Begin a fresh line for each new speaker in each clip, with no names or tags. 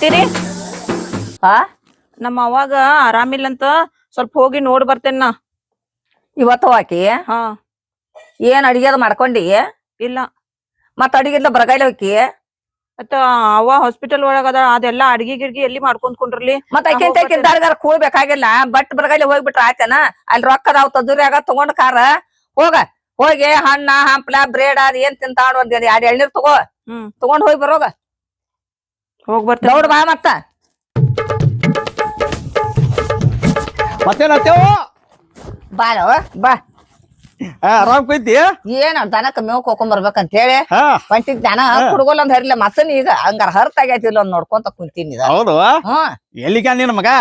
ಅತ್ತಿರಿ
ಹಾ
ನಮ್ಮ ಅವಾಗ ಆರಾಮಿಲ್ಲಂತ ಸ್ವಲ್ಪ ಹೋಗಿ ನೋಡ್ ಬರ್ತೇನ.
ಇವತ್ತು ಹಾಕಿ
ಹಾ
ಏನ್ ಅಡಿಗೆ ಮಾಡ್ಕೊಂಡಿ?
ಇಲ್ಲ
ಮತ್ತ ಅಡಿಗೆಲ್ಲ ಬರಗಾಯಿಲೆ ಹೋಗಿ
ಮತ್ತ ಅವ್ವ ಹಾಸ್ಪಿಟಲ್ ಒಳಗದ ಅದೆಲ್ಲಾ ಅಡ್ಗಿ ಗಿಡ್ಗಿ ಎಲ್ಲಿ ಮಾಡ್ಕೊಂಡ್ರಿ?
ಮತ್ತ ಆಕಿಂತಾರ ಕೂಡ್ಬೇಕಾಗಿಲ್ಲ. ಬಟ್ ಬರಗಾಯಿಲೆ ಹೋಗ್ಬಿಟ್ರ ಆಯ್ತೇನ? ಅಲ್ಲಿ ರೊಕ್ಕ ಅದಾವ್ ತಜುರ್ಯಾಗ ತಗೊಂಡ್ ಕಾರ ಹೋಗಿ ಹಣ್ಣ ಹಂಪ್ಲ ಬ್ರೇಡ್ ಅದ್ ಏನ್ ತಿಂತಾವ ಒಂದ್ 2 ಎಳ್ನೀರ್ ತಗೊಂಡ್ ಹೋಗಿ ಬರೋಗ.
ಹೋಗ್ ಬರ್ತೇನೆ.
ದೌಡ್ ಬಾ ಮತ್ತ
ಮತ್ತೇನತ್ತೇವ
ಬಾರೋ ಬಾ.
ಆರಾಮ್ ಕೈತಿ?
ಏನ್ ದನಕ್ಕ ಮೇವ್ ಹೋಗ್ಕೊಂಡ್ ಬರ್ಬೇಕಂತ ಹೇಳಿ
ಹಾ
ಹೊಂಟಿದ್ ದನ ಕುಡ್ಗೋಲ್ ಒಂದ್ ಹರಿಲ್ಲ ಮಸನ್ ಈಗ ಹಂಗಾರ ಹರ್ತಾಗೈತಿ ಇಲ್ಲ ಒಂದ್ ನೋಡ್ಕೊಂತ ಕುಂತೀನಿ.
ಹೌದು. ಎಲ್ಲಿಗ ನಿನ್ ಮಗ?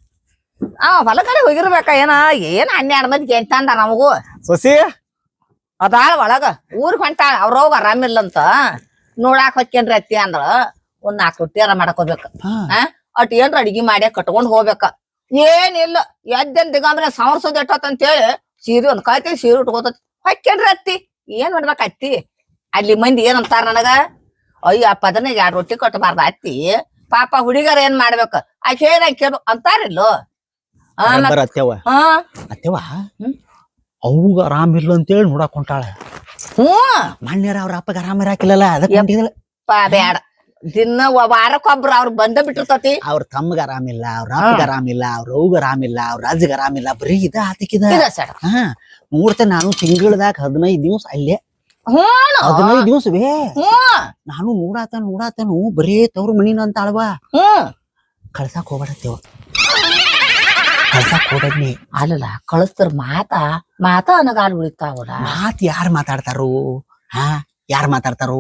ಹೊಲ ಕಡೆ ಹೋಗಿರ್ಬೇಕ ಏನ 12 ಮಂದಿ ಎಂತಂದ ನಮಗೂ
ಸೊಸಿ
ಅದಾಳ ಒಳಗ ಊರ್ ಹೊಂಟಾಳ. ಅವ್ರವ್ಗ ಆರಾಮಿಲ್ಲಂತ ನೋಡಾಕ್ ಹೊಕ್ಕೇನ್ರಿ ಅತ್ತಿ ಅಂದ್ರ ಒಂದ್ 4 ರೊಟ್ಟಿಯಾರ ಮಾಡಕೋಬೇಕ. ಅಟ್ ಏನ್ರ ಅಡಿಗೆ ಮಾಡಿ ಕಟ್ಕೊಂಡ್ ಹೋಗ್ಬೇಕ. ಏನಿಲ್ಲ ಎದ್ದೆನ್ ದಿಗಂದ್ರೆ ಸಂವರ್ಸೋದ್ ಎಟ್ಟತ್ ಹೇಳಿ ಸೀರೆ ಒಂದ್ ಕಾಯ್ತಿ ಸೀರೆ ಉಟ್ಕೋತತಿ ಹೊಕ್ಕೇನ್ರಿ ಅತ್ತಿ. ಏನ್ ಮಾಡ್ಬೇಕ ಅತ್ತಿ? ಅಲ್ಲಿ ಮಂದಿ ಏನಂತಾರ ನನಗ, ಅಯ್ಯ ಪದನಿಗೆ 2 ರೊಟ್ಟಿ ಕಟ್ಟಬಾರ್ದ ಅತ್ತಿ, ಪಾಪ ಹುಡುಗರ ಏನ್ ಮಾಡ್ಬೇಕ ಆಕೆ ಹೇಳಿ ಕೇಳ್ಬೇಕು ಅಂತಾರಿಲ್ಲೋ.
ಅತ್ತೆವ ಅತ್ತೆವ ಅವ್ಗ ಆರಾಮಿಲ್ಲ ಅಂತೇಳಿ ನೋಡಾಕ್ ಹೊಂಟಾಳ. ಮಣ್ಯರ ಅವ್ರ ಅಪ್ಪಗ ಆರಾಮ ಇರಾಕಿಲ್ಲಲ್ಲ ಅದಕ್ಕೆ
ಬ್ಯಾಡ. ದಿನ ವಾರಕ್ಕೊಬ್ರು ಅವ್ರ ಬಂದ ಬಿಟ್ಟಿರ್ತತಿ.
ಅವ್ರ ತಮ್ಮಗ ಆರಾಮಿಲ್ಲ, ಅವ್ರ ಅಪ್ಪಗ ಆರಾಮಿಲ್ಲ, ಅವ್ರ ಅವ್ಗ ಆರಾಮಿಲ್ಲ, ಅವ್ರ ಅಜ್ಜಗ ಆರಾಮಿಲ್ಲ. ಬರೀ ಇದ ಆತಿಕಿದ. ನೋಡ್ತೇನೆ ನಾನು ತಿಂಗಳದಾಗ 15 ದಿವಸ ಅಲ್ಲೇ. 15 ದಿವಸವೇ ನಾನು ನೋಡಾತನು ಬರೇ ತವ್ರ ಮನಿನ ಅಂತ ಅಳವಾ. ಕಳ್ಸಾಕ್ ಹೋಗ್ಬೇಡತ್ತೇವ. ಕಳ್ಸಾಕ್ ಹೋಗ್ಬೇಡ್ನಿ.
ಅಲ್ಲಲ್ಲ ಕಳಿಸ್ತಾರ ಮಾತ ಅನ್ನಗಾಲ್ ಉಳಿತಾವಲ್ಲ.
ಮಾತ್ ಯಾರ್ ಮಾತಾಡ್ತಾರು? ಯಾರ್ ಮಾತಾಡ್ತಾರು?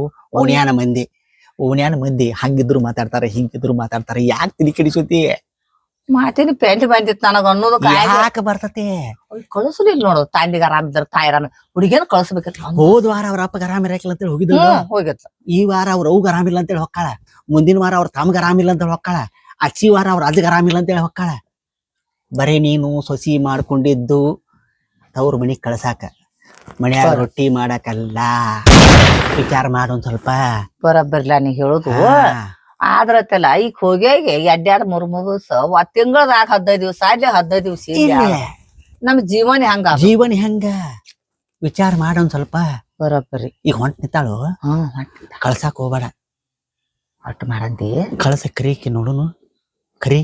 ಓಣ್ಯಾನ ಮಂದಿ ಹಂಗಿದ್ರು ಮಾತಾಡ್ತಾರ, ಹಿಂಗಿದ್ರು ಮಾತಾಡ್ತಾರ. ಯಾಕೆ ತಿಳಿ ಕೆಡಿಸೋತಿ?
ಮಾತಿನ ಪೆಂಟ್ ಬಂದಿತ್ತು ನನಗ ಅನ್ನೋದು
ಯಾಕೆ ಬರ್ತತೆ?
ಕಳಿಸ್ಲಿಲ್ಲ ನೋಡು. ತಾಂಡಿಗೆ ಆರಾಮಿದ್ರ ತಾಯಿ ಆರಾಮ ಹುಡುಗಿನ ಕಳಿಸ್ಬೇಕಿತ್ತು.
ಹೋದ್ ವಾರ ಅವ್ರ ಅಪ್ಪಗ ಆರಾಮ ಇರಾಕಿಲ್ಲ ಅಂತೇಳಿ
ಹೋಗಿತ್ತು.
ಈ ವಾರ ಅವ್ರ ಅವ್ಗ ಆರಾಮಿಲ್ಲ ಅಂತೇಳಿ ಹೊಕ್ಕಾಳ. ಮುಂದಿನ ವಾರ ಅವ್ರ ತಮ್ಗ ಆರಾಮಿಲ್ಲ ಅಂತೇಳಿ ಹೊಕ್ಕಾಳ. ಅಚ್ಚಿ ವಾರ ಅವ್ರ ಅಜ್ಜಗ ಆರಾಮಿಲ್ಲ ಅಂತೇಳಿ ಹೊಕ್ಕಾಳ. ಬರೇ ನೀನು ಸೊಸಿ ಮಾಡ್ಕೊಂಡಿದ್ದು ತವ್ರ ಮನಿಗ್ ಕಳ್ಸಾಕ, ಮನ್ಯಾಗ ರೊಟ್ಟಿ ಮಾಡಕಲ್ಲ. ವಿಚಾರ ಮಾಡೊಂದ್ ಸ್ವಲ್ಪ.
ಬರಬ್ಬರ್ಲ ನೀ ಹೇಳುದು. ಆದ್ರತ್ತಲ್ಲ ಈಗ ಹೋಗಿ 2-3 ದಿವಸ ತಿಂಗಳದಾಗ 15 ದಿವಸ ಅಲ್ಲಿ 15 ದಿವಸ ನಮ್ ಜೀವನ ಹೆಂಗ
ವಿಚಾರ ಮಾಡೊಂದ್ ಸ್ವಲ್ಪ.
ಬರಬ್ಬರಿ
ಈಗ ಹೊಂಟ್ ನಿಂತಾಳು. ಕಳ್ಸಾಕ್ ಹೋಗ್ಬೇಡ.
ಒಟ್ಟು ಮಾಡಂತಿ
ಕಳ್ಸ ಕರೀಕಿ ನೋಡುನು. ಕರಿ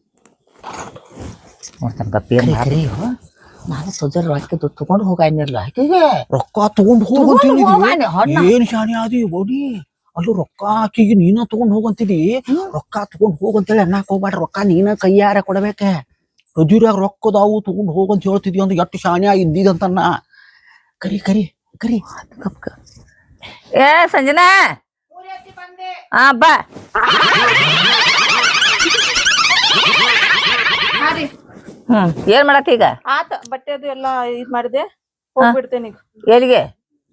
ನೋಡ್ತಾನ. ನಾನು ಸೊಜರ್ ರೊಕ್ಕ ತಗೊಂಡ್ ಹೋಗಿರ್ಲ ಆಕಿಗೆ.
ರೊಕ್ಕ ತಗೊಂಡ್ ಹೋಗಂತೀನಿ. ಏನ್ ಶಾಣಿ ಆದಿ ಓಡಿ. ಅಲ್ಲೂ ರೊಕ್ಕ ಆಕಿಗೆ ನೀನ ತಗೊಂಡ್ ಹೋಗಂತೀನಿ. ರೊಕ್ಕ ತಗೊಂಡ್ ಹೋಗಂತೇಳಿ ಅನ್ನಕ್ ಹೋಗ್ಬೇಡ. ರೊಕ್ಕ ನೀನ ಕೈಯಾರ ಕೊಡಬೇಕ. ರಜುರ್ಯಾಗ ರೊಕ್ಕದಾವು ತಗೊಂಡ್ ಹೋಗಂತ ಹೇಳ್ತಿದ್ವಿ ಅಂದ್ ಎಷ್ಟು ಶಾಣಿ ಆಗಿದ್ದಿದಂತನ್ನ. ಕರಿ ಕರಿ ಕರಿ.
ಸಂಜನಾ ಬಾ. ಏನ್ ಮಾಡತ್ತಿ ಈಗ?
ಆತ ಬಟ್ಟೆ ಅದು ಎಲ್ಲಾ ಇದ್ ಮಾಡಿದೆ, ಹೋಗ್ಬಿಡ್ತೇನೆ ಈಗ.
ಎಲ್ಲಿಗೆ?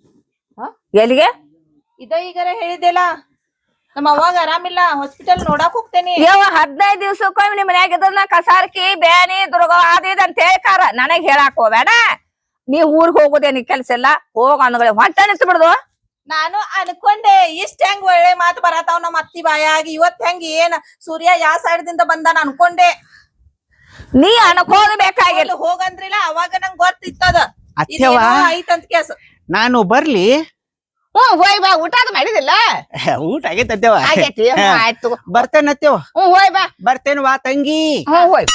ಇದ ಈಗಾರ ಹೇಳಿದ್ದೆಲ್ಲ ನಮ್ಮ ಅವಾಗ ಆರಾಮಿಲ್ಲ, ಹಾಸ್ಪಿಟಲ್ ನೋಡಾಕ್ ಹೋಗ್ತೇನಿ.
15 ದಿವ್ಸಕ್ಕೊಮ್ಮೆ ನಿಮ್ ಮನ್ಯಾಗ ಇದ್ರನ್ನ ಕಸಾರ್ಕಿ ಬ್ಯಾನಿ ದುರ್ಗ ಅದ ಅಂತ ಹೇಳ್ಕಾರ. ನನಗ್ ಹೇಳಾಕ್ ಹೋಗ್ಬೇಡ. ನೀ ಊರ್ಗ್ ಹೋಗುದೇನಿ ಕೆಲ್ಸ ಎಲ್ಲ ಹೋಗ ಅನ್ಗಳ ಹೊಂಟ ನಿಂತು ಬಿಡುದು.
ನಾನು ಅನ್ಕೊಂಡೆ ಇಷ್ಟ ಹೆಂಗ್ ಒಳ್ಳೆ ಮಾತು ಬರತಾವ್ ನಮ್ಮ ಅತ್ತಿ ಬಾಯಾಗಿ. ಇವತ್ ಹೆಂಗ್ ಏನ್ ಸೂರ್ಯ ಯಾವ ಸೈಡ್ ದಿಂದ ಬಂದಾನ ಅನ್ಕೊಂಡೆ.
ನೀ ಅನ್ಕೋಬೇಕಾಗಿಲ್ಲ.
ಹೋಗಂದ್ರಿಲ್ಲ ಅವಾಗ ನಂಗ್ ಗೊತ್ತಿತ್ತದ ಐತಂತ ಕೇಸ್.
ನಾನು ಬರ್ಲಿ?
ಹೋಯ್ ಬಾ. ಊಟ ಅದು ಮಾಡಿದಿಲ್ಲ?
ಊಟ ಆಗೈತತ್ತೇವ.
ಆಯ್ತು
ಬರ್ತೇನತ್ತೇವ.
ಹೋಯ್ ಬಾ.
ಬರ್ತೇನ ವಾ ತಂಗಿ.
ಹೋಯ್.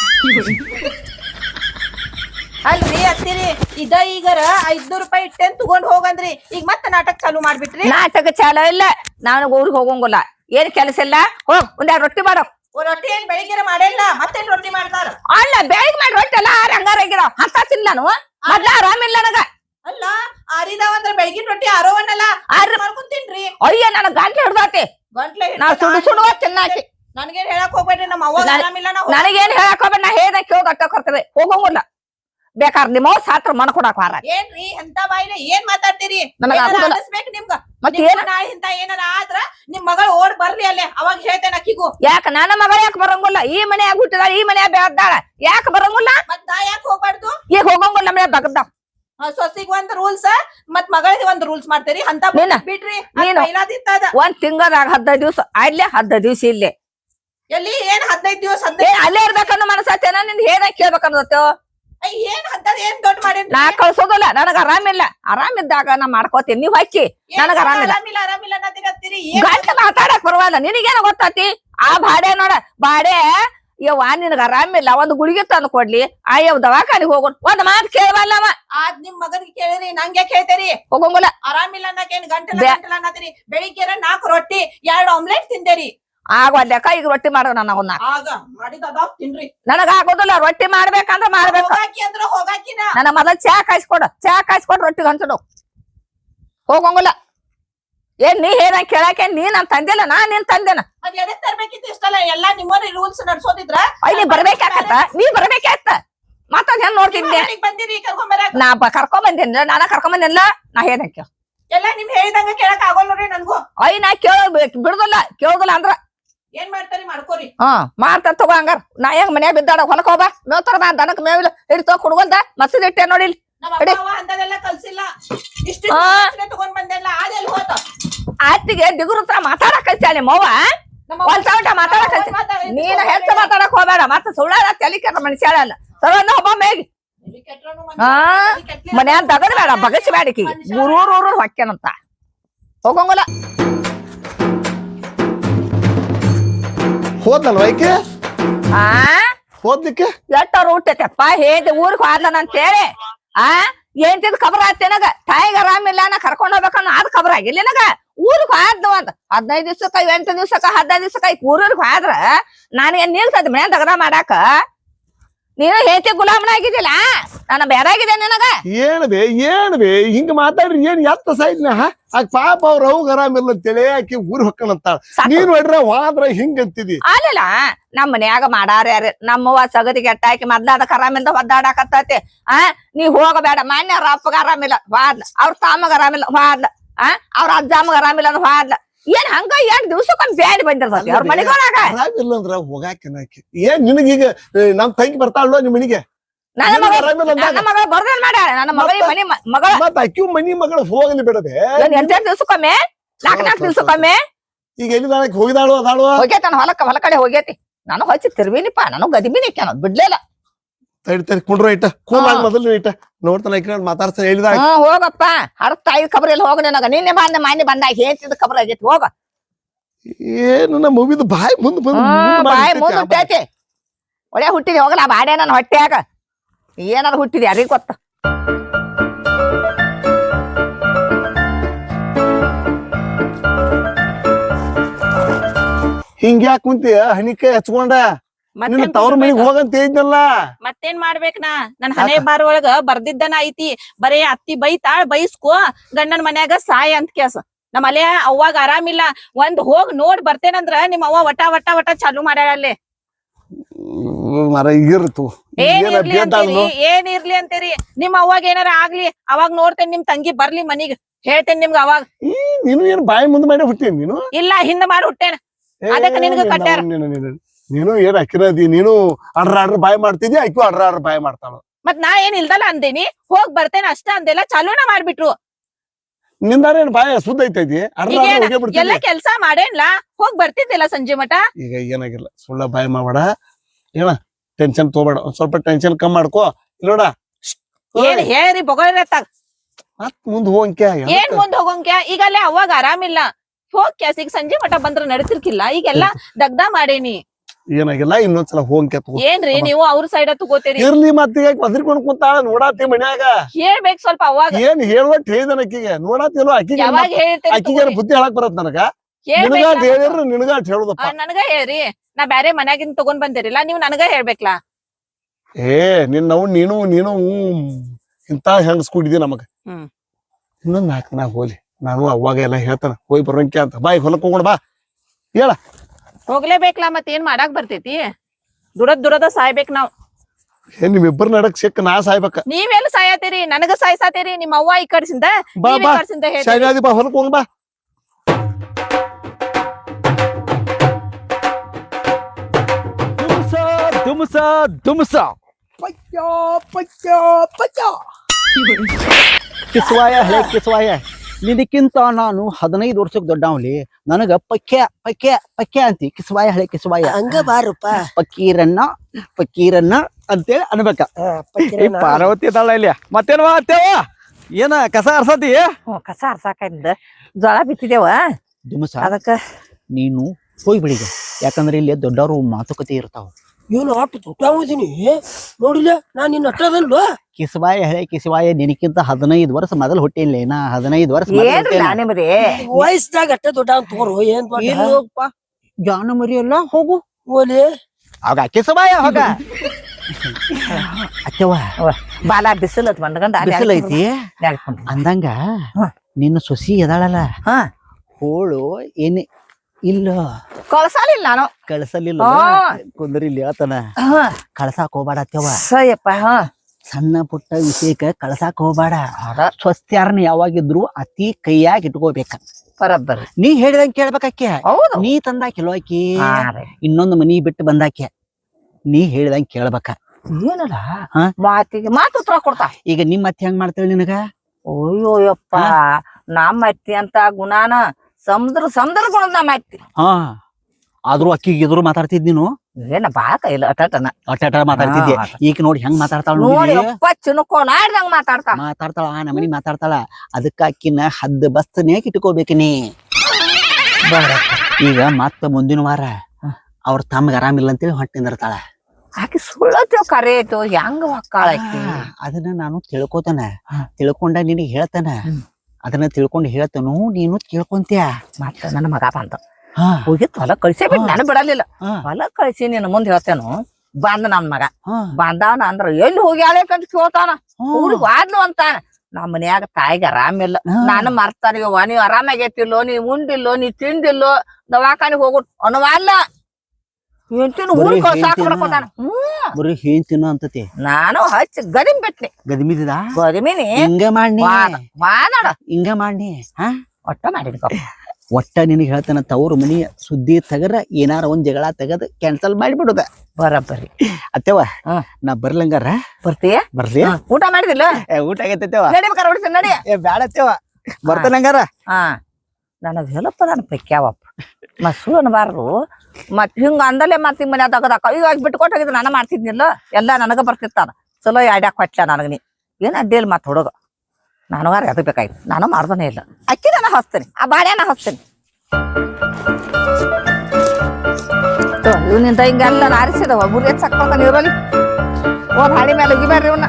ಅಲ್ರಿ ಅತ್ತಿರಿ ಇದ ಈಗಾರ 500 ರೂಪಾಯಿ ಇಟ್ಟೇನ್ ತಗೊಂಡ್ ಹೋಗಂದ್ರಿ. ಈಗ ಮತ್ತೆ ನಾಟಕ ಚಾಲು ಮಾಡ್ಬಿಟ್ರಿ.
ನಾಟಕ ಚಾಲ ಇಲ್ಲ. ನಾನು ಊರಿಗೆ ಹೋಗಂಗಿಲ್ಲ. ಏನ್ ಕೆಲಸ ಇಲ್ಲ. ಹೋಗ್ 2 ರೊಟ್ಟಿ ಮಾಡೋ.
ರೊಟ್ಟಿ ಏನ್ ಬೆಳಿಗ್ಗೆ ಮಾಡಿಲ್ಲ, ಮತ್ತೇನ್ ರೊಟ್ಟಿ ಮಾಡ್ತಾರ?
ಅಲ್ಲ ಬೆಳಿಗ್ಗೆ ಮಾಡಿ ರೊಟ್ಟಿ ಎಲ್ಲ ಹಂಗಾರಾಗಿರೋ ಅಂತ ತಿನ್ ನಾನು. ಮೊದ್ಲ ಆರಾಮಿಲ್ಲ ನನಗ.
ಅಲ್ಲ ಆರಿದಾವಂದ್ರ ಬೆಳಗಿನ ರೊಟ್ಟಿ ಆರೋವನ್ನಲ್ಲ ಮಾಡ್ಕೊಂಡ್ ತಿನ್ರಿ.
ಅಯ್ಯ ನನ್ನ ಗಂಟ್ಲೆ ಹಿಡ್ದಾತಿ.
ಗಂಟ್ಲೆ
ನಾ ಸುಡು ತಿನ್ನಾಕಿ.
ನನ್ಗೇನ್ ಹೇಳಕ್ ಹೋಗ್ಬೇಡ್ರಿ. ನಮ್ಮ ಅವ್ವ ಆರಾಮಿಲ್ಲ.
ನನಗೇನ್ ಹೇಳಕ್ ಹೋಗ್ಬೇಡ. ನಾ ಹೇಳ್ದ ಕೇಳೋದ್ ಅಟ್ಟ ಕೊಡ್ತೇವೆ. ಹೋಗಂಗಿಲ್ಲ. ಬೇಕಾರ್ ನಿಮ್ಮ ಸಾತ್ರ ಮನ ಕೊಡಾಕ ಹಾರ.
ಏನ್ರಿ ಎಂತ ಬಾಯಿಲೆ ಏನ್ ಮಾತಾಡ್ತೀರಿ? ಅನಿಸ್ಬೇಕು ನಿಮ್ಗ. ನಾಳೆ ಇಂತ ಏನಾರ ಆದ್ರ ನಿಮ್ ಮಗಳು ಓಡ್ ಬರ್ಲಿ ಅಲ್ಲೇ, ಅವಾಗ ಹೇಳ್ತೇನೆ ಅಕ್ಕಿಗೂ.
ಯಾಕ ನನ್ನ ಮಗಳ ಯಾಕೆ ಬರಂಗಿಲ್ಲ? ಈ ಮನ್ಯಾಗ ಹುಟ್ಟಿದಾಳ, ಈ ಮನ್ಯಾಗ ಬೆಳ್ದಾಳ. ಯಾಕೆ ಬರಂಗಿಲ್ಲ?
ಮತ್ ನಾ ಯಾಕೆ ಹೋಗ್ಬಾರ್ದು?
ಈಗ ಹೋಗಂಗಿಲ್ಲ. ನಮ್ಮ ಬಗ್ದಾವ್
ಸೊಸಿಗ್ ಒಂದ್ ರೂಲ್ಸ್ ಮತ್ ಮಗಳಿಗೆ ಒಂದ್ ರೂಲ್ಸ್ ಮಾಡ್ತೀರಿ ಅಂತ ಬಿಡ್ರಿ.
1 ತಿಂಗಳದಾಗ 15 ದಿವಸ ಅಲ್ಲೇ 15 ದಿವಸ ಇಲ್ಲೇ.
ಎಲ್ಲಿ ಏನ್ 15 ದಿವಸ
ಅಲ್ಲೇ ಇರ್ಬೇಕನ್ನೋ ಮನಸ್ಸಾತೇನ ನಿಂದ್ ಏನ ಕೇಳ್ಬೇಕನ್ನೋತ್ತು
ಏನ್ ಹತ್ತದ ಏನ್ ದೊಡ್ಡ ಮಾಡೇನ್
ನಾ ಕಳ್ಸೋದಿಲ್ಲ ನನಗ ಆರಾಮಿಲ್ಲ ಆರಾಮಿದ್ದಾಗ ನಾ ಮಾಡ್ಕೋತೀನಿ ನೀವ್ ಹಕ್ಕಿ ನನಗ ಆರಾಮಿಲ್ಲ
ಆರಾಮಿಲ್ಲ ಅನ್ನತ್ತೀರಿ
ಗಂಟ ಮಾತಾಡಕ್ ಬರವಲ್ಲ ನಿನಗೇನ ಗೊತ್ತಾತಿ ಆ ಬಾಡೆ ನೋಡ ಬಾಡೆ ಯವ್ವ ನಿನಗ ಆರಾಮಿಲ್ಲ ಒಂದ್ ಗುಳಿಗೆ ತಂದು ಕೊಡ್ಲಿ ಅಯ್ಯವ್ ದವಾಖಾನಿಗೆ ಹೋಗೋಣ ಒಂದ್ ಮಾತ್ ಕೇಳವಲ್ಲವ
ಆದ್ ನಿಮ್ ಮಗನಿಗೆ ಕೇಳಿರಿ ನಂಗೆ ಕೇಳ್ತೀರಿ
ಹೋಗಂಗಿಲ್ಲ
ಆರಾಮಿಲ್ಲ ಅನ್ನಕೇನ್ ಗಂಟಲ ಅನ್ನತ್ತೀರಿ ಬೆಳಿಗ್ಗೆ 4 ರೊಟ್ಟಿ 2 ಆಮ್ಲೆಟ್ ತಿಂದೇರಿ
ಆಗ ಲೆಕ್ಕ ಈಗ ರೊಟ್ಟಿ ಮಾಡೋಣ ನಾವನ್ನ
ಆಗ ಮಾಡಿದ ಅದಾವ್ ತಿನ್ರಿ
ನನಗ ಆಗೋದಿಲ್ಲ ರೊಟ್ಟಿ ಮಾಡ್ಬೇಕಂದ್ರ ಮಾಡ್ಬೇಕು
ಹೋಗಾಕಿ ಅಂದ್ರ ಹೋಗಾಕಿನ
ನನ್ನ ಮೊದಲ ಚಾ ಕಾಯಿಸ್ಕೊಡ್ ರೊಟ್ಟಿ ಹಂಚಡು ಹೋಗಂಗಿಲ್ಲ ಏನ್ ನೀ ಏನ ಕೇಳಾಕೆ ನೀ ನನ್ ತಂದಿಲ್ಲ ನಾ ನಿನ್ ತಂದೆನ
ಅದ್ ಎದಕ್ ತರ್ಬೇಕಿತ್ತು ಇಷ್ಟಲ್ಲ ಎಲ್ಲಾ ನಿಮ್ಮನೆ ರೂಲ್ಸ್ ನಡ್ಸೋದಿದ್ರ
ನೀ ಬರ್ಬೇಕಾಕತ್ತ ನೀ ಬರ್ಬೇಕಾಯ್ತ ಮತ್ತೊಂದ್ ಹೆಣ್ ನೋಡ್ತಿದ್ದೆ
ಬಂದಿರಿ ಕರ್ಕೊಂಬರಾಕ
ನಾ ಕರ್ಕೊಂಡ್ ಬಂದಿಲ್ಲ ನಾನ ಕರ್ಕೊಂಡ್ ಬಂದಿಲ್ಲ ನಾ ಏನಕ್ಕೆ
ಎಲ್ಲಾ ನಿಮ್ ಹೇಳಿದಂಗ ಕೇಳಕ್ ಆಗೋಲ್ ನೋಡ್ರಿ ನನ್ಗೂ
ನಾ ಕೇಳೋದಿಲ್ಲ ಅಂದ್ರ
ಏನ್ ಮಾಡ್ತಾರಿ ಮಾಡ್ಕೋರಿ
ಮಾಡ್ತ ತಗೋ ಹಂಗಾರ ನಾ ಹೆಂಗ್ ಮನ್ಯಾಗ ಬಿದ್ದಾಡ ಹೊಲಕ್ ಹೋಗ ಮೇವ್ತಾರ ಬಾ ದನಕ್ ಮೇವಿಲ್ಲ ಹಿಡಿತೋ ಕುಡ್ಗೊಂದ ಮಸೂದ್ ಇಟ್ಟೆ ನೋಡಿಲ್
ನಮ್ಮ ಅಪ್ಪ ಅಂತದೆಲ್ಲ ಕಲ್ಸಿಲ್ಲ ಇಷ್ಟು ತಗೊಂಡ್ ಬಂದೆಲ್ಲ ಅದೆಲ್ಲ ಹೋತ
ಆತಿಗೆ ದಿಗುರುತ್ರ ಮಾತಾಡಕ್ ಕಲ್ಸ್ಯಾಳ ನಿಮ್ಮವ್ವ ಒಂದ್ ಮಾತಾಡಕ್ ಕಲ್ಸ ನೀನ್ ಹೆಚ್ಚ ಮಾತಾಡಕ್ ಹೋಗ್ಬೇಡ ಮತ್ತ ಸುಳ್ಳ ತಲಿ ಕೆಟ್ಟ ಮನುಷ್ಯಾಳಲ್ಲ ಸರನ್ನ ಒಬ್ಬ ಮೇಗಿ ಮನ್ಯಾಗ ತಗದ್ ಬೇಡ ಬಗಸ್ಬೇಡಕಿ ಊರೂರ್ ಹೊಕ್ಕೇನಂತ ಹೋಗಂಗಿಲ್ಲ
ಹೋದ್ನಲ್ವ ಈಕೆ ಹೋದ್ಲಿಕ್ಕೆ
ಎಟ್ಟವ್ರು ಹುಟ್ಟೈತೆಪ್ಪ ಹೇಳಿ ಊರಿಗೆ ಹೋದ್ಲನ ಅಂತೇಳಿ ಏನ್ತಿದ್ ಖಬರ್ ಆಯ್ತು ನನಗ ತಾಯಿಗೆ ಆರಾಮಿಲ್ಲ ನಾ ಕರ್ಕೊಂಡ್ ಹೋಗ್ಬೇಕನ್ನ ಅದ್ ಖಬರ್ ಆಗಿಲ್ಲ ನನಗ ಊರಿಗೆ ಹೋದ್ನು ಅಂತ 15 ದಿವ್ಸಕ್ಕ 8 ದಿವ್ಸಕ್ಕ 15 ದಿವ್ಸಕ್ಕ ಊರಿಗೆ ಹೋದ್ರ ನಾನೇನ್ ನಿಲ್ತದ ಮನೆ ದಗದ ಮಾಡಾಕ ನೀನು ಹೇತಿ ಗುಲಾಮನ ಆಗಿದ್ದಿಲ್ಲ ನಾನು ಬೇರೆ ಆಗಿದೆ ನಿನಗ
ಏನ್ ಬೇ ಹಿಂಗ ಮಾತಾಡ್ರಿ ಏನ್ ಎತ್ತ ಸೈಡ್ನ ಆಗ ಪಾಪ ಅವ್ರ ಅವ್ ಆರಾಮಿಲ್ಲ ಅಂತೇಳಿ ಆಕಿ ಊರ್ ಹೊಕ್ಕನಂತಾಳ ನೀನ್ ನೋಡ್ರ ಹೋದ್ರ ಹಿಂಗಂತಿದಿ
ಅಲ್ಲಲ್ಲ ನಮ್ ಮನ್ಯಾಗ ಮಾಡಾರ ಯಾರ ನಮ್ಮವ್ವ ಸಗದಿಗೆ ಎಟ್ಟಾಕಿ ಮೊದ್ಲಾದಕ್ ಆರಾಮಿಲ್ದ ಒದ್ದಾಡಕತ್ತೈತಿ ನೀ ಹೋಗಬೇಡ ಮಾನ್ಯ ಅವ್ರ ಅಪ್ಪಗ ಆರಾಮಿಲ್ಲ ಹೋದ್ಲ ಅವ್ರ ತಾಮಗ ಆರಾಮಿಲ್ಲ ಹೋದ್ಲ ಅವ್ರ ಅಜ್ಜಾಮಗ ಆರಾಮಿಲ್ಲ ಅಂದ್ರ ಹೋದ್ಲ ಏನ್ ಹಂಗ 2 ದಿವ್ಸಕ್ಕೊಂದ್ ಬ್ಯಾಡಿ ಬಂದಿರ್ತತಿ ಅವ್ರ ಮನೆಗೊಳಗ
ಆರಾಮಿಲ್ಲ ಅಂದ್ರ ಹೋಗಾಕಿನಾಕಿ ಏನ್ ನಿನಗೀಗ ನಮ್ ತಂಗಿ ಬರ್ತಾಳೋ ನಿಮ್ ಮನಿಗೆ
ನನ್ನ ಮಗಳ ಬರ್ದೇನ್ ಮಾಡ್ಯಾಳ ನನ್ನ ಮಗಳ ಮಗಳ
ಮತ್ತ ಅಕ್ಕಿ ಮನಿ ಮಗಳು ಹೋಗ್ಲಿ ಬಿಡದೆ
8 ದಿವ್ಸಕ್ಕೊಮ್ಮೆ 4 ದಿವ್ಸಕ್ಕೊಮ್ಮೆ
ಈಗ ಎಲ್ಲಿದಾಳಕ್ಕೆ ಹೋಗಿದಾಳು ಅದಾಳು
ಹೋಗ್ಯತಾನ ಹೊಲ ಕಡೆ ಹೋಗೈತಿ ನಾನು ಹೊಚ್ಚಿ ತಿರ್ವಿನಿಪ್ಪ ನಾನು ಗದಿಬಿನಿ ಅನ್ನೋದು ಬಿಡ್ಲಿಲ್ಲ
ತಡಿ ಕುಂಡ್ರ ಇಟ್ಟ ಕೂಲ್ ಮೊದಲು ಇಟ್ಟ ನೋಡ್ತಾನ ಐಕ ಮಾತಾಡ್ತಾನೆ ಹೇಳಿದ
ಹೋಗಪ್ಪ ಹರ್ತ 5 ಖಬರ್ ಇಲ್ಲ ಹೋಗ ನನಗ ನಿನ್ನೆ ಬಂದ ಮಾನ್ಯ ಬಂದಾಗ ಹೇಳ್ತಿದ್ ಖಬರ್ ಆಗೈತಿ ಹೋಗ
ಏನು ನಮ್ಮ ಮುಗಿದು ಬಾಯಿ ಮುಂದ್
ಬಾಯಿ ಮುಂದ್ ಹುಟ್ಟೈತಿ ಒಳ್ಳೆ ಹುಟ್ಟಿದಿ ಹೋಗಲ್ಲ ಬಾಡೆ ನನ್ನ ಹೊಟ್ಟ್ಯಾಗ ಏನಾರು ಹುಟ್ಟಿದಿ ಯಾರಿಗ ಗೊತ್ತ
ಹಿಂಗ್ಯಾಕ್ ಕುಂತಿ ಹಣಿಕಾಯಿ ಹಚ್ಕೊಂಡ ತವ್ರ ಮನಿಗ್ ಹೋಗಂತ ಹೇಳಿದ್ನಲ್ಲ
ಮತ್ತೇನ್ ಮಾಡ್ಬೇಕನಾ ನನ್ ಹಣೆ ಬಾರ್ ಒಳಗ ಬರ್ದಿದ್ದನ ಐತಿ ಬರೇ ಅತ್ತಿ ಬೈತಾಳ್ ಬೈಸ್ಕೋ ಗಂಡನ ಮನ್ಯಾಗ ಸಾಯ ಅಂತ ಕೇಸ ನಮ್ಮ ಅಲೆ ಅವಾಗ ಆರಾಮಿಲ್ಲ ಹೋಗ್ ನೋಡ್ ಬರ್ತೇನಂದ್ರ ನಿಮ್ ಅವ್ವ ವಟ ಚಾಲು ಮಾಡ್ಯಾಳ ಅಲ್ಲೇ
ಮರ ಇರ್ತು
ಏನ್ ಇರ್ಲಿ ಅಂತೀರಿ ನಿಮ್ ಅವಾಗ ಏನಾರ ಆಗ್ಲಿ ಅವಾಗ ನೋಡ್ತೇನೆ ನಿಮ್ ತಂಗಿ ಬರ್ಲಿ ಮನಿಗ್ ಹೇಳ್ತೇನೆ ನಿಮ್ಗ ಅವಾಗ
ನೀನು ಏನ್ ಬಾಯಿ ಮುಂದ್ ಮಾಡಿ ಹುಟ್ಟೇನ್ ನೀನು
ಇಲ್ಲ ಹಿಂದ ಮಾಡಿ ಹುಟ್ಟೇನ ಅದಕ್ಕ ನಿನ್ಗ ಕಟ್ಟ್ಯಾರ
ನೀನು ಏನ್ ಅಕ್ಕಿನದಿ ನೀನು ಅಡ್ರ ಬಾಯಿ ಮಾಡ್ತಿದ್ದಿ ಅಕ್ಕಿ ಅಡ್ರ ಬಾಯಿ ಮಾಡ್ತಾಳ
ಮತ್ ನಾ ಏನ್ ಇಲ್ದಲ್ಲ ಅಂದೇನಿ ಹೋಗ್ ಬರ್ತೇನೆ ಅಷ್ಟ ಅಂದೆಲ್ಲ ಚಾಲೂನ ಮಾಡ್ಬಿಟ್ರು
ನಿಂದಾರೇನ್ ಬಾಯ ಸುದ್ದ ಐತೈತಿ
ಎಲ್ಲ ಕೆಲ್ಸ ಮಾಡೇನ್ಲಾ ಹೋಗ್ ಬರ್ತಿದ್ದಿಲ್ಲ ಸಂಜೆ ಮಠ
ಈಗ ಏನಾಗಿಲ್ಲ ಸುಳ್ಳ ಬಾಯಿ ಮಾಡಬೇಡ ಏನ ಟೆನ್ಷನ್ ತಗೋಬೇಡ ಒಂದ್ ಸ್ವಲ್ಪ ಟೆನ್ಷನ್ ಕಮ್ಮಿ ಮಾಡ್ಕೋ ನೋಡ
ಏನ್ ಹೇಳ್ರಿ ಬೊಗಳ್ರತ್ತಾಗ
ಮತ್ ಮುಂದ್ ಹೋಗಂಕ್ಯ
ಏನ್ ಮುಂದ್ ಹೋಗಂಕ್ಯ ಈಗ ಅಲ್ಲೇ ಅವಾಗ ಆರಾಮಿಲ್ಲ ಹೋಗ್ ಈಗ ಸಂಜೆ ಮಠ ಬಂದ್ರ ನಡೀತಿರ್ಕಿಲ್ಲ ಈಗೆಲ್ಲಾ ದಗ್ದ ಮಾಡೇನಿ
ಏನಾಗಿಲ್ಲ ಇನ್ನೊಂದ್ಸಲ ಹೋಗಂಕ್ಯ ತಗೋ
ಏನ್ರಿ ನೀವು ಅವ್ರ ಸೈಡ್ ತಗೋತೀರಿ
ಇರ್ಲಿ ಮತ್ ಈಗ ಬದ್ರಿಕೊಂಡ್ ಕುಂತಾಳ ನೋಡಾತಿ ಮನ್ಯಾಗ
ಹೇಳ್ಬೇಕ್ ಸ್ವಲ್ಪ ಅವಾಗ
ಏನ್ ಹೇಳ್ವಟ್ ಹೇಳಿದನ ಅಕ್ಕಿಗೆ ನೋಡಾತಿಲ್ಲೋ ಅಕ್ಕಿಗೆ
ಯಾವಾಗ ಹೇಳ್ತೇನೆ
ಅಕ್ಕಿಗೆ ಬುದ್ಧಿ ಹೇಳಕ್ ಬರತ್ ನನಗ ನಿನಗಾಟ್ ಹೇಳಿದ್ರ ನಿನಗಾಟ್ ಹೇಳುದಪ್ಪ
ನನಗ ಹೇಳ್ರಿ ನಾ ಬ್ಯಾರೆ ಮನ್ಯಾಗಿನ್ ತಗೊಂಡ್ ಬಂದಿರಿಲ್ಲ ನೀವ್ ನನಗ ಹೇಳ್ಬೇಕ್ಲಾ
ನೀನು ಇಂತ ಹೆಂಗಸ್ ಕುಡಿದಿ ನಮಗ ಇನ್ನೊಂದ್ 4 ದಿನ ಹೋಲಿ ನಾನು ಅವಾಗ ಎಲ್ಲ ಹೇಳ್ತಾನ ಹೋಗಿ ಬರೋಂಕೆ ಅಂತ ಬಾಯ್ ಹೊಲಕ್ ಹೋಗೋಣ ಬಾ ಹೇಳ
ಹೋಗ್ಲೇಬೇಕ್ಲಾ ಮತ್ ಏನ್ ಮಾಡಾಕ್ ಬರ್ತೈತಿ ದುಡದ ಸಾಯ್ಬೇಕ್ ನಾವ್
ನಿಮ್ಮಿಬ್ಬರ ನಡಕ್ ಸಿಕ್ಕ ನಾ ಸಾಯ್ಬೇಕ
ನೀವೆಲ್ಲ ಸಾಯತೀರಿ ನನಗ ಸಾಯ್ಸಾತೀರಿ ನಿಮ್ ಅವ್ವ ಈ ಕಡ್ಸಿಂದ
ಬಾ ಹೊಲಕ್ ಹೋಗೋಣ ಬಾ ದುಮ್ಸ ಕಿಸ್ವಾಯ
ನಿನಕ್ಕಿಂತ ನಾನು 15 ವರ್ಷಕ್ಕೆ ದೊಡ್ಡವಲಿ ನನಗ ಪಕ್ಯ ಪಕ್ಯ ಪಕ್ಯ ಅಂತಿ ಕಿಸ್ವಾಯ ಹಳೆ ಕಿಸ್ವಾಯ
ಹಂಗ ಬಾರಪ್ಪ
ಪಕ್ಕೀರನ್ನ ಅಂತೇಳಿ ಅನ್ಬೇಕ
ಪಾರ್ವತಿ ಇದ್ದಾಳ ಇಲ್ಲಿ ಮತ್ತೇನ್ವಾ ಅತ್ತೇವ ಏನ ಕಸ ಅರ್ಸತಿ
ಕಸ ಸಾಕಾಯ್ದ ಜ್ವಾಳ ಬಿತ್ತಿದೇವ
ದುಮಸ
ಅದಕ್ಕ
ನೀನು ಹೋಗ್ಬಿಡಿಗ ಯಾಕಂದ್ರೆ ಇಲ್ಲಿ ದೊಡ್ಡವರು ಮಾತುಕತೆ ಇರ್ತಾವ
ಏನು ಆಟ ತುಟ್ಟಾವದೀನಿ ನೋಡಿಲ್ಲ ನಾನ್ ನಿನ್ನ ಅಟ್ಟದಲ್ವ
ಕಿಸ್ವಾಯ ಹಳೆ ಕಿಸ್ವಾಯ ನಿನಕ್ಕಿಂತ 15 ವರ್ಷ ಮೊದಲು ಹುಟ್ಟಿಲ್ಲ ನಾ 15 ವರ್ಷ ಮೊದಲು
ಏನ್ರಿ
ಹುಟ್ಟಿಲ್ಲ.
ನಿಮ್ರಿ
ವಯಸ್ಸದಾಗ ಅಟ್ಟ ದೊಡ್ಡ ಅಂತ ತೋರು ಏನ್ ದೊಡ್ಡ
ಇಲ್ಲೋಪ್ಪ ಜಾನ ಮರಿ ಎಲ್ಲ ಹೋಗು
ಓಲಿ
ಆಗ ಕಿಸ್ವಾಯ ಹೋಗ ಅತ್ತವ
ಬಾಲ ಬಿಸಿಲತ್ ಬಂದ್ಗಂಡ
ಬಿಸಿಲೈತಿ ಅಂದಂಗ
ಹ.
ನಿನ್ನ ಸೊಸಿ ಎದಾಳಲ್ಲ
ಹಾ
ಹೋಳು ಏನ್ ಇಲ್ಲ
ಕಳ್ಸಲಿಲ್ಲ ನಾನು
ಕಳ್ಸಲಿಲ್ಲ
ಹಾ.
ಕುಂದ್ರಿ ಇಲ್ಲಿ ಹೇಳ್ತಾನ
ಹಾ
ಕಳ್ಸಾಕ್ ಹೋಗ್ಬೇಡ ಅತ್ತವ
ಸಯಪ್ಪ ಹಾ
ಸಣ್ಣ ಪುಟ್ಟ ವಿಷಯಕ್ಕ ಕಳ್ಸಾಕ್ ಹೋಗ್ಬೇಡ ಸ್ವಸ್ತ್ಯಾರನ್ನ ಯಾವಾಗಿದ್ರು ಅತಿ ಕೈಯಾಗ ಇಟ್ಕೋಬೇಕ
ಬರಬ್ಬರಿ
ನೀ ಹೇಳಿದಂಗ ಕೇಳ್ಬೇಕಾಕೆ
ಹೌದು
ನೀ ತಂದಾಕಿಲ್ವ ಆಕಿ
ಹಾ ರೀ.
ಇನ್ನೊಂದು ಮನಿ ಬಿಟ್ಟು ಬಂದಾಕೆ ನೀ ಹೇಳಿದಂಗ ಕೇಳ್ಬೇಕ
ಏನಲ್ಲ
ಹಾ?
ಮಾತಿಗೆ ಮಾತು ಉತ್ತರ ಕೊಡ್ತಾ
ಈಗ ನಿಮ್ ಅತ್ತೆ ಹೆಂಗ್ ಮಾಡ್ತೇಳಿ ನಿನಗ
ಅಯ್ಯೋ ಯಪ್ಪ ನಮ್ಮ ಅತ್ತಿ ಅಂತ ಗುಣಾನ ಸಮುದ್ರ ಗುಣದ ನಮ್ಮ ಅತ್ತಿ
ಹಾ ಆದ್ರೂ ಅಕ್ಕಿಗೆ ಎದುರು ಮಾತಾಡ್ತಿದ್ ನೀನು
ಏನ ಬಾಳ ಕೈಲ ಅಟಟನ
ಅಟ್ಟ ಮಾತಾಡ್ತಿದ್ದೆ ಈಗ ನೋಡಿ ಹೆಂಗ್ ಮಾತಾಡ್ತಾಳ
ನೋಡಿ ಯಪ್ಪ ಚಿನ್ಕೋನಾಡ್ದಂಗ ಮಾತಾಡ್ತಾ
ಮಾತಾಡ್ತಾಳ ಆ ನಮನಿ ಮಾತಾಡ್ತಾಳ ಅದಕ್ಕ ಅಕ್ಕಿನ ಹದ್ದ ಬಸ್ತನೇ ಇಟ್ಕೋಬೇಕು ನೀ ಈಗ ಮತ್ತ ಮುಂದಿನ ವಾರ ಅವ್ರ ತಮ್ಗ ಆರಾಮಿಲ್ಲ ಅಂತೇಳಿ ಹೊಟ್ಟೆ ನಿಂದಿರ್ತಾಳ
ಆಕಿ ಸುಳ್ಳತ್ತೋ ಕರೆ ಐತೋ ಹೆಂಗ ಹೊಕ್ಕಾಳ ಆಕಿ
ಅದನ್ನ ನಾನು ತಿಳ್ಕೊತಾನ ತಿಳ್ಕೊಂಡ ನಿನಗೆ ಹೇಳ್ತಾನ ಅದನ್ನ ತಿಳ್ಕೊಂಡು ಹೇಳ್ತಾನು ನೀನು ತಿಳ್ಕೊಂತ್ಯ
ಮತ್ತ ನನ್ನ ಮಗ ಬಂದ
ಹಾ
ಹೋಗಿತ್ತು ಹೊಲ ಕಳ್ಸೇ ಬಿಟ್ಟು ನಾನು ಬಿಡಲಿಲ್ಲ
ಹಾ.
ಹೊಲ ಕಳ್ಸಿ ನಿನ್ನ ಮುಂದೆ ಹೇಳ್ತೇನು ಬಂದ ನನ್ ಮಗ
ಹಾ.
ಬಂದವನ ಅಂದ್ರ ಎಲ್ಲಿ ಹೋಗ್ಯಾಳೇಕಂತ ಕೇಳ್ತಾನ ಊರಿಗೆ ವಾದ್ಲು ಅಂತಾನ ನಮ್ಮ ಮನ್ಯಾಗ ತಾಯಿಗೆ ಆರಾಮಿಲ್ಲ ನಾನು ಮರ್ತಾರಿಯವ್ವ ನೀವ್ ಆರಾಮಾಗೈತಿಲ್ಲೋ ನೀ ಉಂಡಿಲ್ಲೋ ನೀ ತಿಂದಿಲ್ಲೋ ದವಾಖಾನಿಗೆ ಹೋಗು ಅನ್ನುವಲ್ಲ ಎಂಟಿನ ಊರ್
ಬರೀ
ಕಳ್ಸಾಕ
ಹೇಳ್ತೀನ.
ಬರ್ಕೋತಾನ
ಬರೀ ಏನ್ ತಿನ್ನೋ ಅಂತತಿ
ನಾನು ಹಚ್ಚಿ ಗದಿಮ್ ಬಿಟ್ನಿ
ಗದಿಮಿದ
ಗದಿಮಿನಿ
ಹಿಂಗ ಮಾಡಿ
ವಾದಾಡ
ಹಿಂಗ ಮಾಡಿ ಹಾ
ಒಟ್ಟ ಮಾಡಿನ
ಒಟ್ಟ ನಿನಗೆ ಹೇಳ್ತಾನ ತವ್ರ ಮನಿ ಸುದ್ದಿ ತಗರ ಏನಾರ ಒಂದ್ ಜಗಳ ತೆಗದ್ ಕ್ಯಾನ್ಸಲ್ ಮಾಡಿಬಿಡುದ
ಬರಬ್ಬರಿ
ಅತ್ತೇವ
ಹ್ಮ್.
ನಾ ಬರ್ಲಂಗಾರ
ಬರ್ತೀಯ
ಬರ್ಲಿ
ಊಟ ಮಾಡಿದಿಲ್ಲ
ಊಟ ಆಗೈತೇವ
ನಡಿಬೇಕಾರ ಹೊಡಿತೀನಿ ನಡಿ
ಬ್ಯಾಡ ಅತ್ತೇವ ಬರ್ತಾನಂಗಾರ
ಹಾ ನನಗ್ ಹೇಳಪ್ಪ ನಾನು ಪೆಕ್ಯಾವಪ್ಪ ಮತ್ ಸುಳ್ಳು ಅನ್ಬಾರ್ದು ಮತ್ ಹಿಂಗ ಅಂದಲೆ ಮತ್ ಹಿಂಗ್ ಮನೆ ತಗದಾಕ ಇವಾಗ ಬಿಟ್ಕೊಟ್ಟು ಹೋಗಿದ್ದು ನಾನು ಮಾಡ್ತಿದ್ನಿಲ್ಲ ಎಲ್ಲ ನನಗ ಬರ್ತಿರ್ತಾನ ಚಲೋ ಯಾಡ್ಯಾಕ ಕೊಟ್ಲ ನನಗ ನೀ ಏನ್ ಅಡ್ಡಿಲ್ ಮತ್ ಹುಡುಗ ನನಗಾರ ಅದು ಬೇಕಾಯ್ತು ನಾನು ಮಾಡ್ದನೇ ಇಲ್ಲ ಅಕ್ಕಿ ನಾನು ಹಚ್ತೇನೆ ಆ ಬಾಡ್ಯಾನ ಹಚ್ತೇನೆ ಇವ್ನಿಂದ ಹಿಂಗೆಲ್ಲ ಆರಿಸಿದವ ಗುರಿ ಎತ್ಸಕ್ಕೊಂಡ ನೀರಲ್ಲಿ ಹೋದ್ ಹಾಡಿ ಮೇಲೆ ಉಗಿಬೇಡ್ರಿ ಇವನ್ನ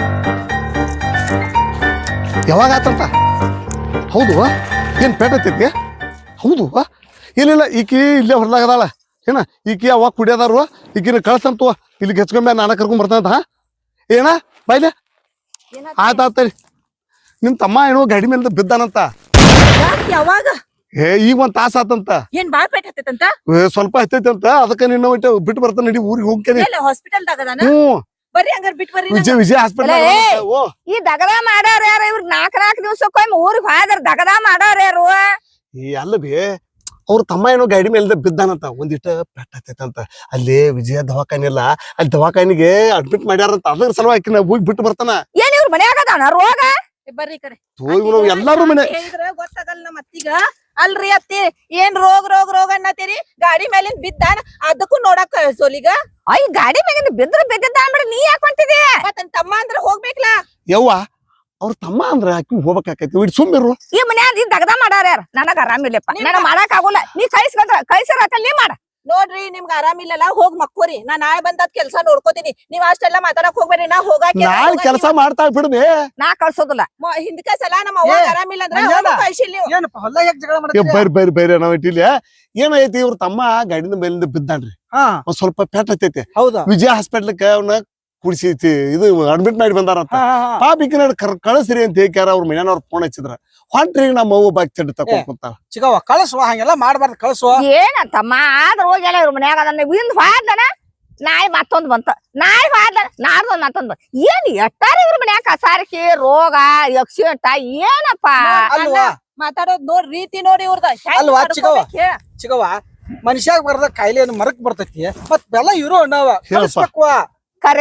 ಯಾವಾಗ ಆತಂತ ಹೌದು ಏನ್ ಪೇಟ ಐತಿ ಹೌದು ಇಲ್ಲ ಈಕಿ ಇಲ್ಲೇ ಹೊರದಾಗದಾಳ ಏನ ಈಕಿ ಅವಾಗ ಕುಡಿಯೋದಾರು ಈಕಿನ ಕಳ್ಸಂತ ಇಲ್ಲಿಗೆ ಹೆಚ್ಕೊಂಬ ನಾನ ಕರ್ಕೊಂಡ್ ಬರ್ತಾನಂತ ಹಾ ಏನ ಬಾಯ್ಲೆ ಆಯ್ತಾಯ್ತರಿ ನಿಮ್ ತಮ್ಮ ಏನೋ ಗಾಡಿ ಮೇಲೆ ಬಿದ್ದಾನಂತ
ಯಾವಾಗ
ಏ ಈಗ ಒಂದ್ ತಾಸ ಆತಂತ
ಏನ್ ಬಾಳ್ ಪೇಟ್ ಹತ್ತೈತಂತ
ಸ್ವಲ್ಪ ಹತ್ತೈತಿ ಅಂತ ಅದಕ್ಕ ನಿನ್ನ ಒಟ್ಟು ಬಿಟ್ಟು ಬರ್ತಾನ ನಡಿ ಊರಿಗೆ ಹೋಗ್ತೇನೆ
ಎಲ್ಲ ಹಾಸ್ಪಿಟಲ್ ದಾಗದಾನ
ಹ್ಮ್
ಬರ್ರಿ ಹಂಗಾರ ಬಿಟ್ ಬರ್ರಿ
ವಿಜಯ ಹಾಸ್ಪಿಟಲ್ ಓ
ಈ ದಗದ ಮಾಡೋರ್ ಯಾರ ಇವ್ರ ನಾಲ್ಕ್ ದಿವ್ಸಕ್ಕೊಮ್ಮೆ ಊರಿಗೆ ಹೋದ್ರ ದಗದ ಮಾಡೋರ್ ಯಾರು
ಈ ಅಲ್ಲ ಬಿ ಅವ್ರ ತಮ್ಮ ಏನೋ ಗಾಡಿ ಮೇಲೆ ಬಿದ್ದಾನಂತ ಒಂದಿಷ್ಟ ಪೆಟ್ಟ ಹತ್ತೈತಂತ ಅಲ್ಲಿ ವಿಜಯ ದವಾಖಾನೆ ಇಲ್ಲ ಅಲ್ಲಿ ದವಾಖಾನಿಗೆ ಅಡ್ಮಿಟ್ ಮಾಡ್ಯಾರಂತ ಅದ್ರ ಸಲುವಾಗಿ ಹೋಗಿ ಬಿಟ್ಟು ಬರ್ತಾನ
ಏನ್ ಇವ್ರ ಮನ್ಯಾಗ ಅದಾನ ರೋಗ
ಬರ್ರಿ ಕಡೆ
ಎಲ್ಲಾರು ಮನೆ
ಹೇಳಿದ್ರ ಗೊತ್ತಾಗಲ್ಲ ನಮ್ಮ ಅತ್ತಿಗ ಅಲ್ರಿ ಅತ್ತಿ ಏನ್ ರೋಗ ಅನ್ನತ್ತೀರಿ ಗಾಡಿ ಮೇಲಿಂದ ಬಿದ್ದಾನ ಅದಕ್ಕೂ ನೋಡಕ್ ಸೋಲಿಗ
ಅಯ್ಯ ಗಾಡಿ ಮ್ಯಾಗಿಂದ ಬಿದ್ರ ಬಿದ್ದಿದ್ದ ಅಂದ್ಬಿಡ ನೀ ಯಾಕೆ ಹೊಂಟಿದಿ
ಮತ್ತನ್ ತಮ್ಮ ಅಂದ್ರ ಹೋಗ್ಬೇಕಲ್ಲ
ಯವ್ವ ಅವ್ರ ತಮ್ಮ ಅಂದ್ರ ಆಕಿ ಹೋಗ್ಬೇಕಾಕೈತಿ ಇಡ್ ಸುಮ್ಮಿರು
ಈ ಮನ್ಯಾಗ ಈ ದಗದ ಮಾಡಾರ ಯಾರ ನನಗ ಆರಾಮಿಲ್ಲಪ್ಪ ನನಗ ಮಾಡಕ್ ಆಗೋಲ್ಲ ನೀ ಕೈಸರ ನೀ ಮಾಡ
ನೋಡ್ರಿ ನಿಮ್ಗ ಆರಾಮಿಲ್ಲಲ್ಲ ಹೋಗ್ ಮಕ್ಕೋರಿ ನಾ ನಾಳೆ ಬಂದದ್ ಕೆಲ್ಸ ನೋಡ್ಕೋತೀನಿ ನೀವ್ ಅಷ್ಟೆಲ್ಲ ಮಾತಾಡಕ್ ಹೋಗ್ಬೇಡ್ರಿ ನಾ ಹೋಗಾಕ
ನಾಳೆ ಕೆಲಸ ಮಾಡ್ತಾ ಬಿಡ್ಬೇ
ನಾ ಕಳ್ಸೋದಿಲ್ಲ
ಹಿಂದಕ ಸಲ ನಮ್ಮ ಅವ್ವ ಆರಾಮಿಲ್ಲ ಅಂದ್ರೆ
ಮಂಜಾನ.
ಅವ್ನು ಕಳ್ಸಿಲ್ಲ ನೀವು.
ಏನಪ್ಪ ಹೊಲ್ದಾಗ ಯಾಕೆ ಜಗಳ ಮಾಡ್ತೀರಿ
ಬರ್ರಿ ನಾವ್ ಇಟ್ಟಿಲ್ಲ ಏನೈತಿ ಇವ್ರ ತಮ್ಮ ಗಾಡಿನ ಮೇಲಿಂದ ಬಿದ್ದಾನ್ರಿ
ಹಾ
ಒಂದ್ ಸ್ವಲ್ಪ ಪೆಟ್ಟ ಹತ್ತೈತಿ
ಹೌದಾ
ವಿಜಯ ಹಾಸ್ಪಿಟ್ಲಕ್ಕ ಅವನ್ನ ಕುಡಿಸಿ ಇದು ಅಡ್ಮಿಟ್ ಮಾಡಿ ಬಂದಾರಂತ
ಹಾ, ಹಾ, ಹಾ.
ಪಾಪಿಕ ಕಳಿಸ್ರಿ ಅಂತ ಹೇಳ್ಯಾರ ಅವ್ರ ಮನೆಯವ್ರ ಫೋನ್ ಹಚ್ಚಿದ್ರ ಹೊಂಟ್ರಿ ನಮ್ಮ ಅವ್ವ ಬಾಕ್ ಚಡ್ಡಿ ತಕೊಂಡ್ ಕುಂತಾಳ
ಚಿಗವ್ವ ಕಳ್ಸುವ ಹಂಗೆಲ್ಲ ಮಾಡ್ಬಾರ್ದು ಕಳ್ಸುವ
ಏನಂತಮ್ಮ ಆದ್ರ ಹೋಗ್ಯಾಳ ಇವ್ರ ಮನ್ಯಾಗ ಅದನ್ನ ಇಂದ್ ಹಾದನ ನಾಯಿ ಮತ್ತೊಂದ್ ಬಂತ ನಾಯಿ ಹಾದನ ನಾಡ್ದೊಂದ್ ಮತ್ತೊಂದ್ ಬಂತ ಏನ್ ಎಟ್ಟಾರ ಇವ್ರ ಮನ್ಯಾಗ ಕಸಾರಿಕೆ ರೋಗ ಯಕ್ಷಿಂಟ ಏನಪ್ಪ
ಅಲ್ವಾ
ಮಾತಾಡೋದ್ ನೋಡ್ ರೀತಿ ನೋಡಿ ಇವ್ರದ
ಅಲ್ವಾ, ಚಿಕ್ಕವ್ವ? ಚಿಗವ್ವ ಮನುಷ್ಯಾಗ ಬರ್ದ ಕಾಯಿಲೆ ಮರಕ್ ಬರ್ತೈತಿ ಮತ್ ಬೆಲ್ಲ ಇರೋ ಅಣ್ಣವ
ಹೇಳಪ್ಪ.
ಕಳ್ಸ್ಬೇಕವ್ವ
ಕರೆಪ್ಪ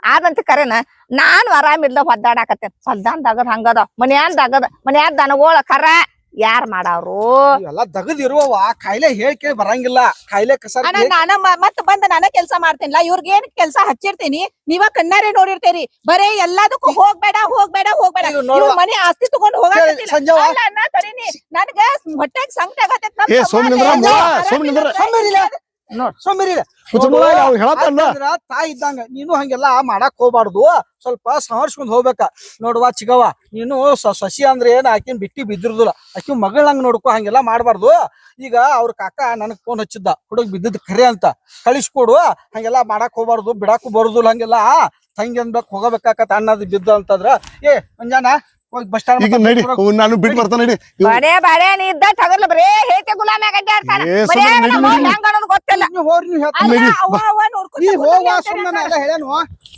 ಆದಂತ ಕರೆನ ನಾನು ಆರಾಮಿಲ್ದ ಹೊದ್ದಾಡಕತ್ತೇನ್ ಹೊಲ್ದಾನ್ದಾಗದ್ ಹಂಗದ ಮನ್ಯಾದ ದನಗೋಳ ಕರ ಯಾರ್ ಮಾಡವ್ರು
ಎಲ್ಲ ದಗದ್ ಇರುವವ ಕಾಯಿಲೆ ಹೇಳ್ ಕೇಳಿ ಬರಂಗಿಲ್ಲ ಕಾಯಿಲೆ ಕಸ
ಅಣ್ಣ ನಾನ ಮತ್ ಬಂದ ನಾನ ಕೆಲ್ಸ ಮಾಡ್ತೇನಿಲ್ಲ ಇವ್ರಿಗೆ ಏನ್ ಕೆಲ್ಸ ಹಚ್ಚಿರ್ತೀನಿ ನೀವ ಕಣ್ಣಾರೆ ನೋಡಿರ್ತೀರಿ ಬರೇ ಎಲ್ಲದಕ್ಕೂ ಹೋಗ್ಬೇಡ
ಈಗ ನೋಡುವ.
ಇವ್ರ್ ಮನೆ ಆಸ್ತಿ ತಗೊಂಡ್ ಹೋಗಕತ್ತಿಲ್ಲ.
ಸಂಜೆವ.
ಅಲ್ಲ ಅಣ್ಣ ತಡೀನಿ ನನ್ಗ ಹೊಟ್ಟೆಗ್ ಸಂಕಟ ಆಗತೈತ್ ನಮ್
ಏ,
ತಮ್ಮ
ಸೋಮನಿಂದ್ರ
ಅಲ್ಲೇ
ಮುಳ,
ಆರಾಮಿಲ್ಲ
ಸೋಮನಿಂದ್ರ.
ಅಂದ್ರೆ
ಸೋಂಬೇರಿ
ಅವ್ರು ಹೇಳತ್ತಲ್ಲ
ತಾಯಿ ಇದ್ದಂಗ ನೀನು ಹಂಗೆಲ್ಲಾ ಮಾಡಕ್ ಹೋಗ್ಬಾರ್ದು ಸ್ವಲ್ಪ ಸಂಹರ್ಸ್ಕೊಂಡ್ ಹೋಗ್ಬೇಕ ನೋಡುವ ಚಿಗವ ನೀನು ಸಸಿ ಅಂದ್ರೆ ಏನ್ ಆಕಿನ್ ಬಿಟ್ಟಿ ಬಿದ್ದಿರುದಿಲ್ಲ ಆಕಿ ಮಗಳಂಗ್ ನೋಡ್ಕೊ ಹಂಗೆಲ್ಲಾ ಮಾಡ್ಬಾರ್ದು ಈಗ ಅವ್ರ ಕಾಕ ನನಗ್ ಫೋನ್ ಹಚ್ಚಿದ್ದ ಹುಡುಗ್ ಬಿದ್ದದ್ ಖರೆ ಅಂತ ಕಳಿಸ್ಕೊಡು ಹಂಗೆಲ್ಲಾ ಮಾಡಕ್ ಹೋಗ್ಬಾರ್ದು ಬಿಡಾಕು ಬರುದಿಲ್ಲ ಹಂಗೆಲ್ಲಾ ತಂಗಿ ಅನ್ಬೇಕು ಹೋಗಬೇಕಾಕತ್ತ ಅನ್ನದ್ ಬಿದ್ದ ಅಂತಂದ್ರ ಏ ಮಂಜಾನ ಹೋಗಿ ಬಸ್
ಈಗ ನಡಿ ನಾನು ಬಿಟ್ಟು ಬರ್ತಾನೆ ನಡಿ
ಬಡೇ ನೀ ಇದ್ದ ತಗರ್ಲ ಬರೇ ಹೇತೆ ಗುಲಾಮಿ ಅಡ್ಡಾಡ್ತಾನ
ಏ, ಸುಮ್ನೆ ನಡಿ, ನಡಿ.
ಹೆಂಗ್ ಅನ್ನೋದು ಗೊತ್ತಿಲ್ಲ
ಅಲ್ಲ, ಅವ್ವ ನೋಡ್ಕೊತ
ನೀ
ಕೂತ್ಕೊಳ್ಳಿ
ಹೋಗುವ
ಅಂತಾನೆ
ಸುಮ್ಮನೆ
ಅಣ್ಣ.
ಎಲ್ಲ ಹೇಳೇನು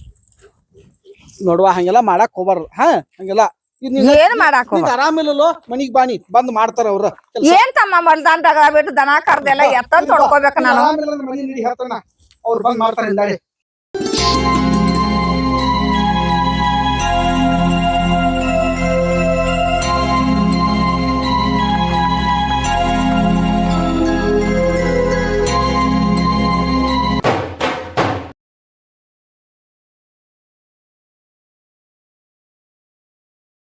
ನೋಡುವ ಹಂಗೆಲ್ಲಾ ಮಾಡಕ್ ಹೋಗ್ಬಾರ್ದು ಹಂಗೆಲ್ಲ
ಏನ್ ಮಾಡಾಕ
ಈಗ ಆರಾಮಿಲ್ಲೋ ಮನಿಗ್ ಬಾನಿ ಬಂದ್ ಮಾಡ್ತಾರ ಅವ್ರ
ಏನ್ ತಮ್ಮ ಹೊಲ್ದಾನ್ದಾಗ ಬಿಟ್ಟು ದನ ಕರ್ದೆಲ್ಲ ಎತ್ತ ತೊಡ್ಕೋಬೇಕ ನಾನು
ಆರಾಮಿಲ್ಲ ಮನಿ ನಡಿ ಹೇಳ್ತಾನ ಅವ್ರು ಬಂದ್ ಮಾಡ್ತಾರ ಹಿಂದಾಡಿ